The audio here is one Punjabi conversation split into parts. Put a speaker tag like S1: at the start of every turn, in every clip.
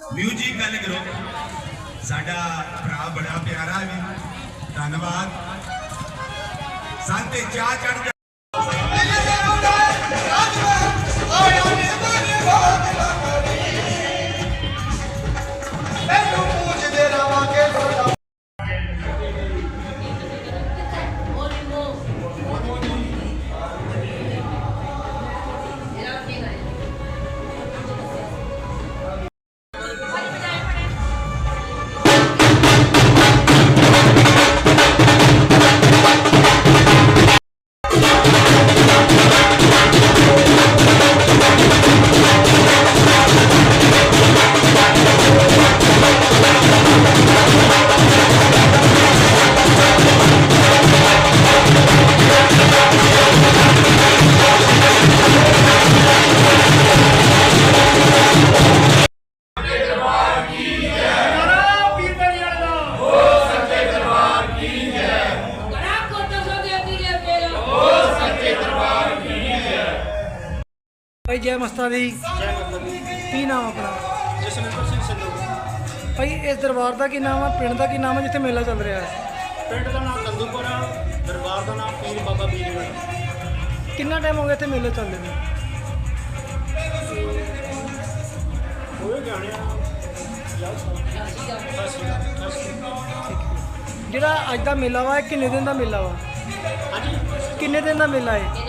S1: म्यूजिक गल ग्रुप साडा भरा बड़ा प्यारा भी धन्यवाद संते चाह चढ़
S2: भाई जय मस्ता दी की नाम अपना
S3: जसविंदर सिंह सिद्धू
S2: भाई इस दरबार का की नाम है पिंड का की नाम है जिथे मेला चल रहा है
S3: पिंड का नाम कंदूपुर दरबार का नाम पीर बाबा बीरगढ़
S2: कितना टाइम हो गया इतने मेले चल रहे
S3: होए गाने
S2: ਜਿਹੜਾ ਅੱਜ ਦਾ ਮੇਲਾ ਵਾ ਕਿੰਨੇ ਦਿਨ ਦਾ ਮੇਲਾ ਵਾ ਕਿੰਨੇ ਦਿਨ ਦਾ ਮੇਲਾ ਹੈ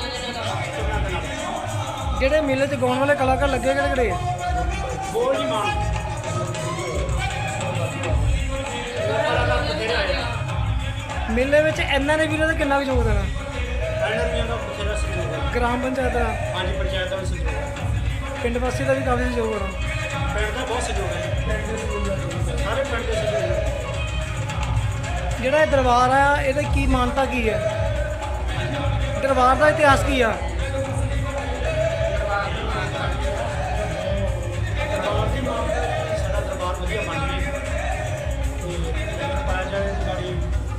S2: ਜਿਹੜੇ ਮੇਲੇ 'ਚ ਗਾਉਣ ਵਾਲੇ ਕਲਾਕਾਰ ਲੱਗੇ ਕਿਹੜੇ ਕਿਹੜੇ ਆ
S3: ਬੋਲ ਨਹੀਂ ਮਾਨ
S2: ਮੇਲੇ ਵਿੱਚ ਇਹਨਾਂ ਨੇ ਵੀਰਾਂ ਦਾ ਕਿੰਨਾ ਕੁ ਯੋਗਦਾਨ ਆ
S3: ਐਨਰਜੀਆਂ ਦਾ ਬਥੇਰਾ ਸਹਿਯੋਗ ਹੈ
S2: ਗ੍ਰਾਮ ਪੰਚਾਇਤ ਦਾ
S3: ਹਾਂਜੀ ਪੰਚਾਇਤ ਦਾ ਵੀ ਸਹਿਯੋਗ ਹੈ
S2: ਪਿੰਡ ਵਾਸੀ ਦਾ ਵੀ ਕਾਫੀ ਸਹਿਯੋਗ ਆ
S3: ਪਿੰਡ ਦਾ ਬਹੁਤ ਸਹਿਯੋਗ ਹੈ ਸਾਰੇ ਪਿੰਡ ਦੇ ਸਹਿਯੋਗ ਹੈ
S2: ਜਿਹੜਾ ਇਹ ਦਰਬਾਰ ਆ ਇਹਦੀ ਕੀ ਮਾਨਤਾ ਕੀ ਹੈ ਦਰਬਾਰ ਦਾ ਇਤਿਹਾਸ ਕੀ ਆ
S3: ਦਰਬਾਰ ਦੀ ਮਾਂ ਸਾਡਾ ਦਰਬਾਰ ਵਧੀਆ ਬਣ ਗਿਆ ਤੇ ਪਾਇਆ ਜਾਏ ਗਾੜੀ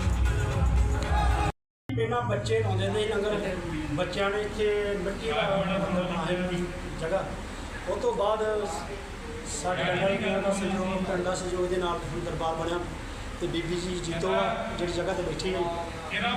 S3: ਪਹਿਲਾਂ ਬੱਚੇ ਲਾਉਂਦੇ ਨੇ ਲੰਗਰ ਬੱਚਿਆਂ ਨੇ ਇੱਥੇ ਮਿੱਟੀ ਦਾ ਬਣਾਇਆ ਦੀ ਜਗ੍ਹਾ ਉਹ ਤੋਂ ਬਾਅਦ ਸਾਡੇ ਲੰਗਰ ਦਾ ਸਹਿਯੋਗ ਪਿੰਡ ਦਾ ਸਹਿਯੋਗ ਦੇ ਨਾਲ ਹੁਣ ਦਰਬਾਰ ਬਣਿਆ ਤੇ ਬੀਬੀ ਜੀ ਜੀਤੋ ਆ ਜਿਹੜੀ ਜਗ੍ਹਾ ਤੇ ਬੈਠੀ ਹੈ ਇਹਨਾਂ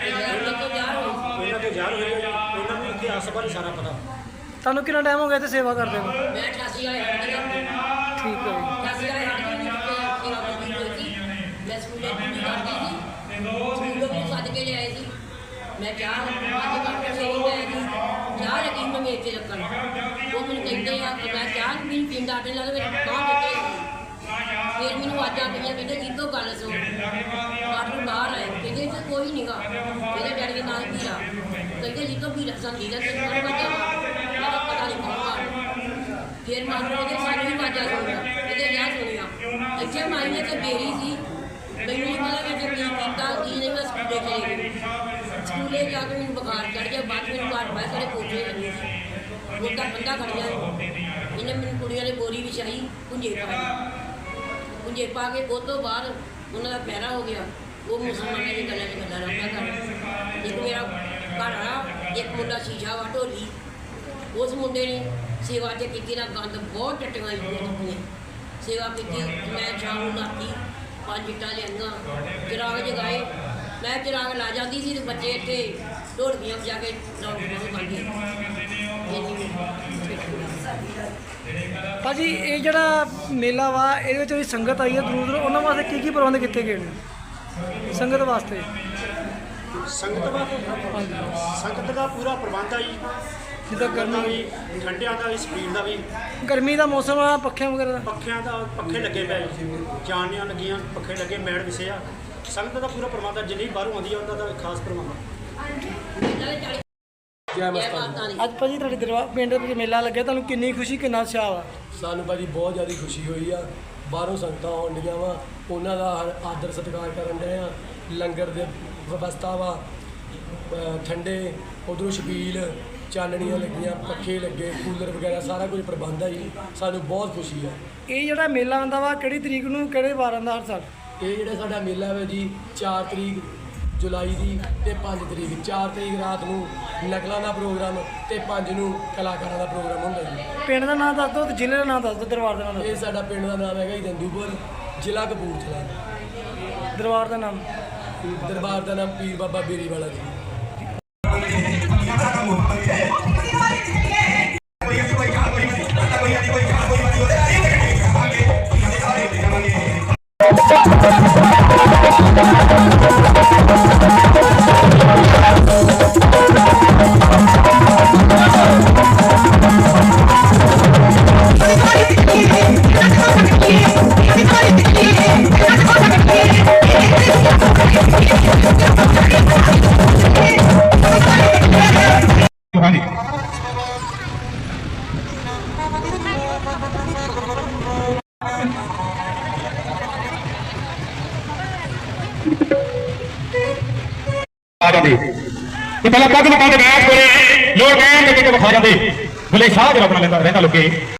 S3: ਤੋਂ ਜਾਣ ਹੋਈ ਹੈ ਇਹਨਾਂ ਨੂੰ ਇਤਿਹਾਸ ਬਾਰੇ ਸਾਰਾ ਪਤਾ
S2: ਤੁਹਾਨੂੰ ਕਿੰਨਾ ਟਾਈਮ ਹੋ ਗਿਆ ਇੱਥੇ ਸੇਵਾ ਕਰਦੇ ਨੂੰ
S4: ਮੈਂ 88 ਵਾਲੇ ਹੱਟ ਗਿਆ
S2: ਠੀਕ ਹੈ ਜੀ
S4: 88 ਵਾਲੇ ਹੱਟ ਗਏ ਸੇਵਾ ਕਰਦੀ ਹੋਈ ਸੀ ਮੈਂ ਸਕੂਲੇ ਡਿਊਟੀ ਕਰਦੀ ਸੀ ਸਕੂਲੋਂ ਵੀ ਸੱਦ ਕੇ ਲਿਆਏ ਸੀ ਮੈਂ ਚਾਹ ਅੱਜ ਕੱਲ੍ਹ ਸਹੀ ਮੈਂ ਜੀ ਚਾਹ ਲੱਗੀ ਮੈਂ ਮੇਚੇ ਰੱਖਣ ਉਹ ਮੈਨੂੰ ਕਹਿੰਦੇ ਆ ਕਿ ਮੈਂ ਚਾਹ ਵੀ ਪੀਂਦਾ ਆਟੇ ਨਾਲ ਵਿੱਚ ਬਾਹਰ ਦਿੱਤੇ ਫਿਰ ਮੈਨੂੰ ਆਵਾਜ਼ਾਂ ਪਈਆਂ ਕਹਿੰਦੇ ਜੀਤੋ ਗੱਲ ਸੁਣ ਬਾਹਰ ਬਾਹਰ ਆਏ ਕਹਿੰਦੇ ਇੱਥੇ ਕੋਈ ਨਹੀਂਗਾ ਇਹਦੇ ਡੈਡੀ ਦੇ ਨਾਲ ਵੀਰਾ ਕਹਿੰਦੇ ਜੀਤੋ ਵੀਰਾ ਸੰਦੀ ਦਾ ਤੈਨੂੰ ਕੌਣ ਬੱਚਾ ਮੇਰਾ ਪਤਾ ਨਹੀਂ ਕੌਣ ਆ ਫਿਰ ਮਾਨੂੰ ਉਹਦੇ ਸਾਨੂੰ ਵੀ ਆਵਾਜ਼ਾਂ ਸੁਣੀਆਂ ਇਹਦੇ ਵਿਆਹ ਸੁਣੀਆਂ ਇੱਥੇ ਮਾਈ ਨੇ ਤੇ ਬੇਰੀ ਸੀ ਮੈਨੂੰ ਨਹੀਂ ਪਤਾ ਮੈਂ ਕੀ ਕੀਤਾ ਕੀ ਨਹੀਂ ਮੈਂ ਸਕੂਲੇ ਚਲੀ ਗਈ ਸਕੂਲੇ ਜਾ ਕੇ ਮੈਨੂੰ ਬੁਖਾਰ ਚੜ੍ਹ ਗਿਆ ਬਾਅਦ ਮੈਨੂੰ ਘਰ ਬਾਹਰ ਸਾਰੇ ਕੋਠੇ ਲੱਗੇ ਸੀ ਉਹਦਾ ਬੰਦਾ ਖੜ ਗਿਆ ਇਹਨੇ ਮੈਨੂੰ ਕੁੜੀਆਂ ਨੇ ਬੋਰੀ ਵਿਛਾਈ ਪੁੰਜੇ ਪਾ ਕੇ ਉਹ ਤੋਂ ਬਾਅਦ ਉਹਨਾਂ ਦਾ ਪੈਰਾ ਹੋ ਗਿਆ ਉਹ ਮੁਸਲਮਾਨਾਂ ਦੀ ਗੱਲਾਂ 'ਚ ਗੱਲਾਂ ਰੱਖਦਾ ਕਰ ਇੱਕ ਮੇਰਾ ਘਰ ਆ ਇੱਕ ਮੁੰਡਾ ਸ਼ੀਸ਼ਾ ਵਾ ਢੋਲੀ ਉਸ ਮੁੰਡੇ ਨੇ ਸੇਵਾ 'ਚ ਕੀਤੀ ਨਾ ਗੰਦ ਬਹੁਤ ਟੱਟੀਆਂ ਹੋਈਆਂ ਸੇਵਾ ਕੀਤੀ ਮੈਂ ਸ਼ਾਮ ਨੂੰ ਨਾਤੀ 5 ਇੱਟਾਂ ਲਿਆਂਗਾ ਚਿਰਾਗ ਜਗਾਏ ਮੈਂ ਚਿਰਾਗ ਲਾ ਜਾਂਦੀ ਸੀ ਤੇ ਬੱਚੇ ਇੱਥੇ ਢੋਲਕੀਆਂ ਵਜਾ ਕੇ ਰੌਣਕ ਪਾਉਂਦੇ
S2: ਭਾਜੀ ਇਹ ਜਿਹੜਾ ਮੇਲਾ ਵਾ ਇਹਦੇ ਵਿੱਚ ਜਿਹੜੀ ਸੰਗਤ ਆਈ ਹੈ ਦੂਰ ਦੂਰ ਉਹਨਾਂ ਵਾਸਤੇ ਕੀ ਪ੍ਰਬੰਧ ਕੀਤੇ ਗਏ ਨੇ ਸੰਗਤ ਵਾਸਤੇ
S3: ਸੰਗਤ ਦਾ ਪੂਰਾ ਪ੍ਰਬੰਧ ਆ ਜੀ
S2: ਜਿੱਦਾਂ
S3: ਗਰਮੀ
S2: ਗਰਮੀ
S3: ਵੀ ਠੰਡਿਆਂ ਦਾ ਵੀ ਸਪੀਡ ਦਾ ਵੀ
S2: ਗਰਮੀ ਦਾ ਮੌਸਮ ਆ ਪੱਖਿਆਂ ਵਗੈਰਾ ਦਾ
S3: ਪੱਖਿਆਂ ਦਾ ਪੱਖੇ ਲੱਗੇ ਪਏ ਚਾਨਣੀਆਂ ਲੱਗੀਆਂ ਪੱਖੇ ਲੱਗੇ ਮੈੜ ਵਿਸੇ ਆ ਸੰਗਤ ਦਾ ਪੂਰਾ ਪ੍ਰਬੰਧ ਆ ਜਿੰਨੀ ਬਾਹਰੋਂ ਆਉਂਦੀ ਆ ਉਹਨਾਂ ਦਾ ਖਾਸ ਪ੍ਰਬੰਧ ਆ
S4: ਜੈ ਮਾਤਾ ਦੀ
S2: ਅੱਜ ਭਾਜੀ ਤੁਹਾਡੇ ਦਰਬਾਰ ਪਿੰਡ ਵਿੱਚ ਮੇਲਾ ਲੱਗਿਆ ਤੁਹਾਨੂੰ ਕਿੰਨੀ ਖੁਸ਼ੀ ਕਿੰਨਾ ਉਤਸ਼ਾਹ ਵਾ
S5: ਸਾਨੂੰ ਭਾਜੀ ਬਹੁਤ ਜ਼ਿਆਦਾ ਖੁਸ਼ੀ ਹੋਈ ਆ ਬਾਹਰੋਂ ਸੰਗਤਾਂ ਆਉਣ ਡੀਆਂ ਵਾ ਉਹਨਾਂ ਦਾ ਆਦਰ ਸਤਿਕਾਰ ਕਰਨ ਡਏ ਆ ਲੰਗਰ ਦੇ ਵਿਵਸਥਾ ਵਾ ਠੰਡੇ ਉਧਰੋਂ ਛਬੀਲ ਚਾਨਣੀਆਂ ਲੱਗੀਆਂ ਪੱਖੇ ਲੱਗੇ ਕੂਲਰ ਵਗੈਰਾ ਸਾਰਾ ਕੁਝ ਪ੍ਰਬੰਧ ਆ ਜੀ ਸਾਨੂੰ ਬਹੁਤ ਖੁਸ਼ੀ ਆ
S2: ਇਹ ਜਿਹੜਾ ਮੇਲਾ ਆਉਂਦਾ ਵਾ ਕਿਹੜੀ ਤਰੀਕ ਨੂੰ ਕਿਹੜੇ ਵਾਰ ਆਉਂਦਾ ਹਰ ਸਾਲ
S5: ਇਹ ਜਿਹੜਾ ਸਾਡਾ ਮੇਲਾ ਹੈ ਜੀ 4 ਤਰੀਕ ਜੁਲਾਈ ਦੀ ਤੇ 5 ਤਰੀਕ 4 ਤਰੀਕ ਰਾਤ ਨੂੰ ਨਕਲਾਂ ਦਾ ਪ੍ਰੋਗਰਾਮ ਤੇ 5 ਨੂੰ ਕਲਾਕਾਰਾਂ ਦਾ ਪ੍ਰੋਗਰਾਮ ਹੁੰਦਾ ਜੀ।
S2: ਪਿੰਡ ਦਾ ਨਾਮ ਦੱਸ ਦਿਓ ਤੇ ਜ਼ਿਲ੍ਹੇ ਦਾ ਨਾਮ ਦੱਸ ਦਿਓ, ਦਰਬਾਰ ਦਾ ਨਾਮ ਦੱਸ
S5: ਇਹ ਸਾਡਾ ਪਿੰਡ ਦਾ ਨਾਮ ਹੈਗਾ ਜੀ ਦੰਦੂਪੁਰ, ਜ਼ਿਲ੍ਹਾ ਕਪੂਰਥਲਾ।
S2: ਦਿਓ। ਦਰਬਾਰ ਦਾ ਨਾਮ
S5: ਦਰਬਾਰ ਦਾ ਨਾਮ ਪੀਰ ਬਾਬਾ ਬੇਰੀ ਵਾਲਾ ਜੀ।
S1: ਹਾਂਜੀ
S6: ਆ ਜਾਂਦੇ ਤੇ ਪਹਿਲਾਂ ਪੱਗ ਲੁਕਾ ਕੇ ਬੈਠ ਕੋਲੇ ਲੋਕ ਕਹਿਣਗੇ ਕਿ ਵਿਖਾ ਜਾਂਦੇ ਬਲੇ ਸ਼ਾਹ ਜਿਹੜਾ ਆਪਣਾ ਲੈਂਦਾ ਰਹਿੰਦਾ ਲੋਕੇ